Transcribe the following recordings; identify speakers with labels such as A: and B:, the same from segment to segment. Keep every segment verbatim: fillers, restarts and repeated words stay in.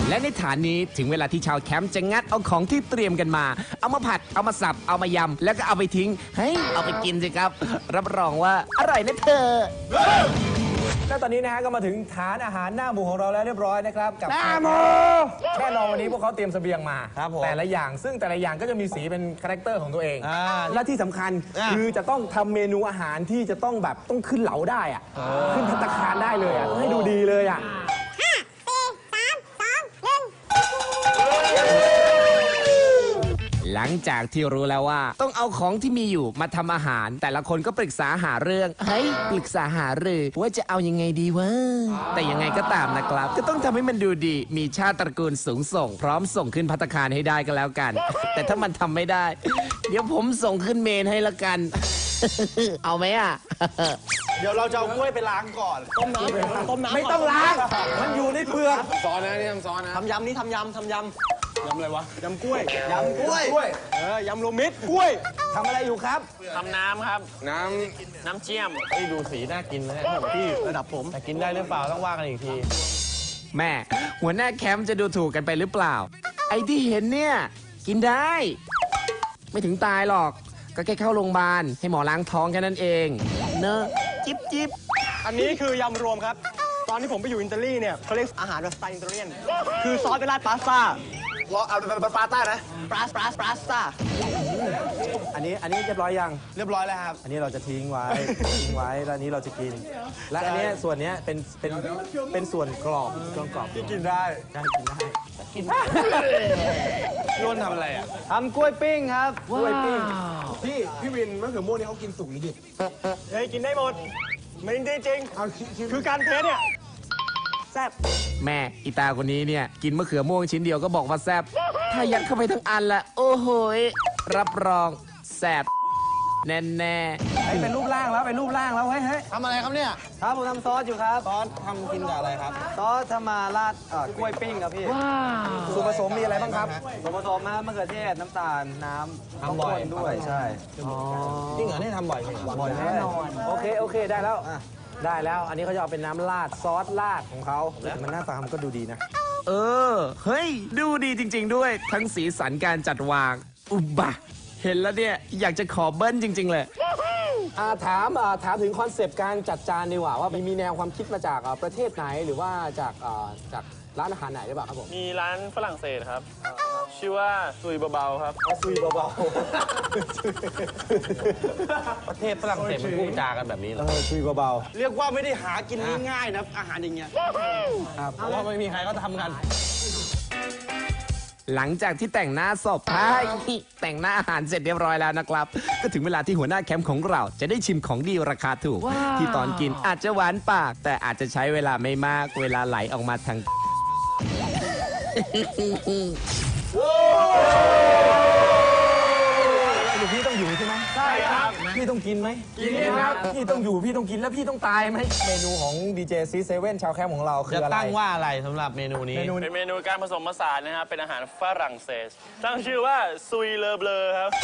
A: และในฐานนี้ถึงเวลาที่ชาวแคมป์จะงัดเอาของที่เตรียมกันมาเอามาผัดเอามาสับเอามายำแล้วก็เอาไปทิ้งเฮ้ยเอาไปกินสิครับรับรองว่าอร่อยนะเธอ
B: แล้วตอนนี้นะฮะก็มาถึงฐานอาหารหน้าหมูของเราแล้วเรียบร้อยนะครับกับหน้าหมูแน่นอนวันนี้พวกเขาเตรียมเสบียงมาแต่ละอย่างซึ่งแต่ละอย่างก็จะมีสีเป็นคาแรคเตอร์ของตัวเองและที่สำคัญคือจะต้องทำเมนูอาหารที่จะต้องแบบต้องขึ้นเหลาได้อะขึ้นภัตตาคารได้เลยอ่ะให้ดูดีเลยอ่ะ
A: หลังจากที่รู้แล้วว่าต้องเอาของที่มีอยู่มาทำอาหารแต่ละคนก็ปรึกษาหาเรื่องเฮ้ยปรึกษาหารือว่าจะเอายังไงดีวะแต่ยังไงก็ตามนะครับก็ต้องทำให้มันดูดีมีชาติตระกูลสูงส่งพร้อมส่งขึ้นภัตตาคารให้ได้ก็แล้วกันแต่ถ้ามันทำไม่ได้เดี๋ยวผมส่งขึ้นเมนให้ละกันเอาไหมอ่ะ
C: เดี๋ยวเราจะเอากล้วยไปล้างก่อนต้มน้ำต้มน้ำ
B: ไม่ต้องล้างมันอยู่ในเปลือก
C: ซอสนะนี่ทำซอสนะทำยำนี่ทำยำทำยำยำอะไรวะยำกล้วยยำกล้วยเออยำรวมมิตรกล้วย
B: ทำอะไรอยู่ครับ
D: ทำน้ำครับ
C: น้
D: ำน้ำเชี่ยม
C: ไอ้ดูสีน่ากินนะพี่ระดับผมแต่กินได้หรือเปล่าต้องว่ากันอีกที
A: แม่หัวหน้าแคมป์จะดูถูกกันไปหรือเปล่าไอ้ที่เห็นเนี่ยกินได้ไม่ถึงตายหรอกก็แค่เข้าโรงพยาบาลให้หมอล้างท้องแค่นั้นเองเนอะจิ๊บจิ๊บ
C: อันนี้คือยำรวมครับตอนที่ผมไปอยู่อิตาลีเนี่ยเขาเรียกอาหารแบบสไตล์อิตาเลียนคือซอสเป็นราดพาสต้ารอเอาเป็นปาสต้านะปาสปาสปาสต้า
B: อันนี้อันนี้เรียบร้อยยัง
C: เรียบร้อยแล้วครับ
B: อันนี้เราจะทิ้งไว้ทิ้งไว้แล้วนี้เราจะกินและอันนี้ส่วนนี้เป็นเป็นเป็นส่วนกรอบส่วนกรอบ
C: ที่กินได้
B: ได้กินได้
C: กินได้ร่นทำอะไรอ่ะ
B: ทำกล้วยปิ้งครับกล้วยปิ้ง
C: พี่พี่วินมะเขือม่วงนี่เขากินสุกหรือดิบเฮ้ยกินได้หมดไม่จริงจริงคือการเทสเนี่ยแซ่บ
A: แม่อีตาคนนี้เนี่ยกินมะเขือม่วงชิ้นเดียวก็บอกว่าแซ่บถ้ายัดเข้าไปทั้งอันละโอ้โหรับรองแซ่บแน่แน่
B: เป็นรูปร่างแล้วเป็นรูปร่างแล้วเฮ้ยเฮ้ย
C: ทำอะไรครับเนี่ย
B: ครับผมทำซอสอยู่ครับ
C: ซอสทำกินกับอะไรครับ
B: ซอสทำมาราดกล้วยปิ้งครับพี่ส่วนผสมมีอะไรบ้างครับส่วนผสมนะมะเขือเทศน้ำตาลน้ำต้องคนด้วยใช่
C: จริงเหรอนี่ทำบ่อย
B: บ่อยแน่นอนโอเคโอเคได้แล้วได้แล้วอันนี้เขาจะเอาเป็นน้ำราดซอสราดของเขามันหน้าตามันก็ดูดีนะ
A: เออเฮ้ยดูดีจริงๆด้วยทั้งสีสันการจัดวางอุบะเห็นแล้วเนี่ยอยากจะขอเบิ้ลจริงๆเลย
B: ถามถามถึงคอนเซปต์การจัดจานดีกว่าว่ามีแนวความคิดมาจากประเทศไหนหรือว่าจากจากร้านอาหารไหนหรือเปล่าครับผม
D: มีร้านฝรั่งเศสครับชื่อว่าซุยเบาๆครับ
B: ซุยเบา
C: ๆประเทศฝรั่งเศสมันพูดจากันแบบนี้เหรอ
B: ซุยเบา
C: ๆเรียกว่าไม่ได้หากินง่ายๆนะอาหารอย่างเงี้ยเพราะว่าไม่มีใครเขาทำกัน
A: หลังจากที่แต่งหน้าศพแต่งหน้าอาหารเสร็จเรียบร้อยแล้วนะครับก็ถึงเวลาที่หัวหน้าแคมป์ของเราจะได้ชิมของดีราคาถูกที่ตอนกินอาจจะหวานปากแต่อาจจะใช้เวลาไม่มากเวลาไหลออกมาทาง
B: พี่ต้องอยู่ใช่ไหม
C: ใช่ครับ
B: พี่ต้องกินไหม
C: กินครับ
B: พี่ต้องอยู่พี่ต้องกินแล้วพี่ต้องตายไหมเมนูของดีเจซีเซเว่นชาวแคมป์ของเราคืออะไร
C: จะตั้งว่าอะไรสำหรับเมนูนี้
D: เป็นเมนูการผสมผสานนะครับเป็นอาหารฝรั่งเศสตั้งชื่อว่าซุยเลอเบลอครับ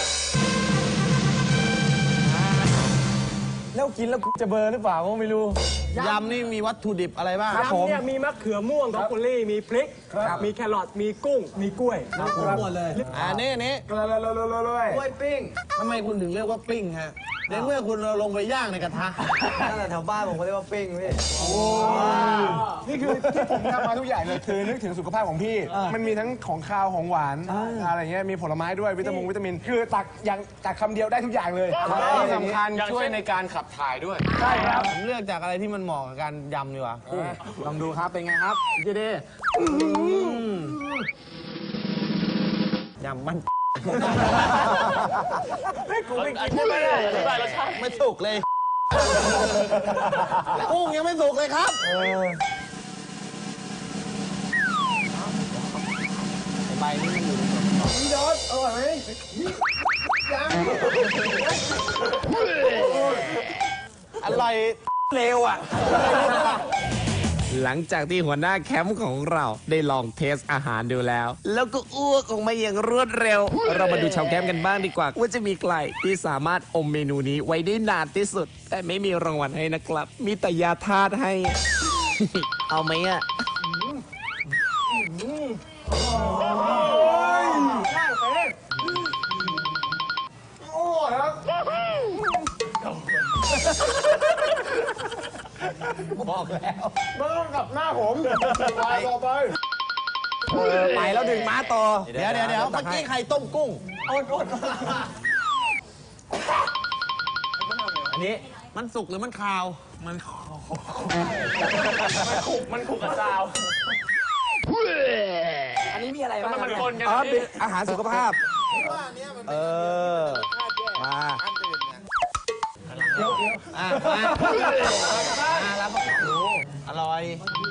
B: แล้วกินแล้วจะเบอร์หรือเปล่าก็ไม่รู้
C: ยำนี่มีวัตถุดิบอะไรบ้าง
B: ยำเนี่ย
C: มีมะเขือม่วงบรอกโคลี่มีพริกมีแครอทมีกุ้งมีกล้วย
B: หมดเลย
C: อันนี้นี่กล้วยปิ้งทำไมคุณถึงเรียกว่าปิ้งฮะในเมื่อคุณลงไปย่างในกระทะ
B: นั่นแหละแถวบ้านผมเขาเรียกว่าปิ้งพี่
E: นี่คือที่ผมทำมาทุกอย่างเลยคือนึกถึงสุขภาพของพี่มันมีทั้งของคาวของหวานอะไรเงี้ยมีผลไม้ด้วยวิตามินวิตามินคือตักอย่างตักคำเดียวได้ทุกอย่างเลย
C: ที่สำคัญช่วยในการขับถ่ายด้วย
E: ใช่ครับ
C: ผมเลือกจากอะไรที่มันเหมาะกับการยำดีกว่า
B: ลองดูครับเป็นไงครับเจเด
C: ยำมัน
D: กูไม่กินไม่ได้อธิบายรสชาติ
C: ไม่สุกเลยกุ้งยังไม่สุกเลยครับใบนี้มันอยู่
E: นี่ดอสอร่อยไหมยัง
C: อร่อยเร็วอ่ะ
A: หลังจากที่หัวหน้าแคมป์ของเราได้ลองเทสอาหารดูแล้วแล้วก็อ้วกออกมาอย่างรวดเร็วเรามาดูชาวแคมป์กันบ้างดีกว่าว่าจะมีใครที่สามารถอมเมนูนี้ไว้ได้นานที่สุดแต่ไม่มีรางวัลให้นะครับมีแต่ยาธาตุให้ เอาไหมอ่ะ
B: บอกแล้ว
E: ไม่ต้องกลับหน้าผมไปต่อไป
B: ไปแล้วดึงม้าต่อ
C: เดี๋ยวเดี๋ยวเดี๋ยวเมื่อกี้ใครต้มกุ้ง
B: อันนี้
C: มันสุกหรือมันคาว มัน
D: มันขู่กับซาว
B: อันนี้มีอะไรบ้าง
D: มันคนกัน
B: อ๋อ
D: นะ
B: เป็น
D: พี่
B: อาหารสุขภาพ เออ มา
C: อ่ะมามาแล้วมาดูอร่อย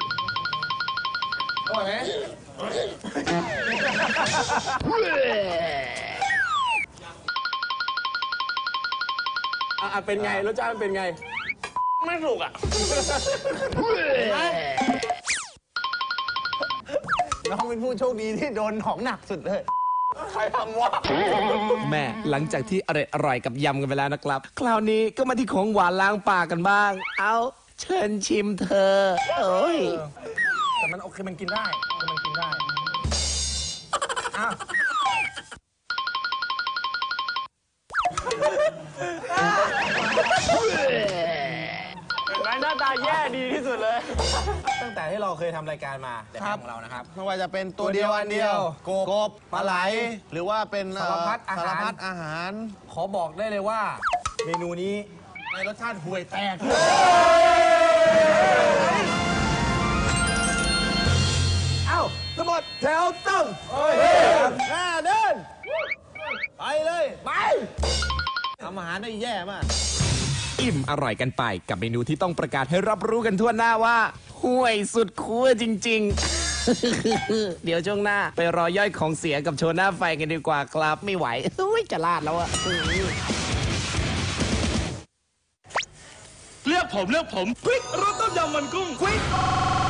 B: อ่ะเป็นไง รสชาติมันเป็นไง
D: ไม่สุกอ่ะ
C: น้องเป็นผู้โชคดีที่โดนของหนักสุดเลย ใครทำวะ
A: แม่หลังจากที่อร่อยอร่อยกับยำกันไปแล้วนะครับ คราวนี้ก็มาที่ของหวานล้างปากกันบ้าง เอาเชิญชิมเธอเอ้ย
B: แต่มันโอเคมันกินได้แต่มันกินได้อ้าว
D: เห็นไหมหน้าตาแย่ดีที่สุดเลย
B: ตั้งแต่ที่เราเคยทำรายการมาแต่ของเรานะครับ
C: ไม่ว่าจะเป็นตัวเดียวอันเดียว
B: กบ
C: กบปลาไหล หรือว่าเป็นเอ่อ
B: สารพัดอาหาร
C: สารพัดอาหาร
B: ขอบอกได้เลยว่า เมนูนี้
C: ในรสชาติห่วยแตก
B: เอ้าทั้งหมดแถวต้อง
C: หน้าเดิน ไปเลย ไปทำอาหารได้แย่มาก
A: อิ่มอร่อยกันไปกับเมนูที่ต้องประกาศให้รับรู้กันทั่วหน้าว่าห่วยสุดคั่วจริง ๆ เดี๋ยวช่วงหน้าไปรอย่อยของเสียกับโชว์หน้าไฟกันดีกว่าครับไม่ไหวเฮ้ยจะลาดแล้วอะ
D: เลือกผมเลือกผมควิกรสต้มยำมันกุ้งควิก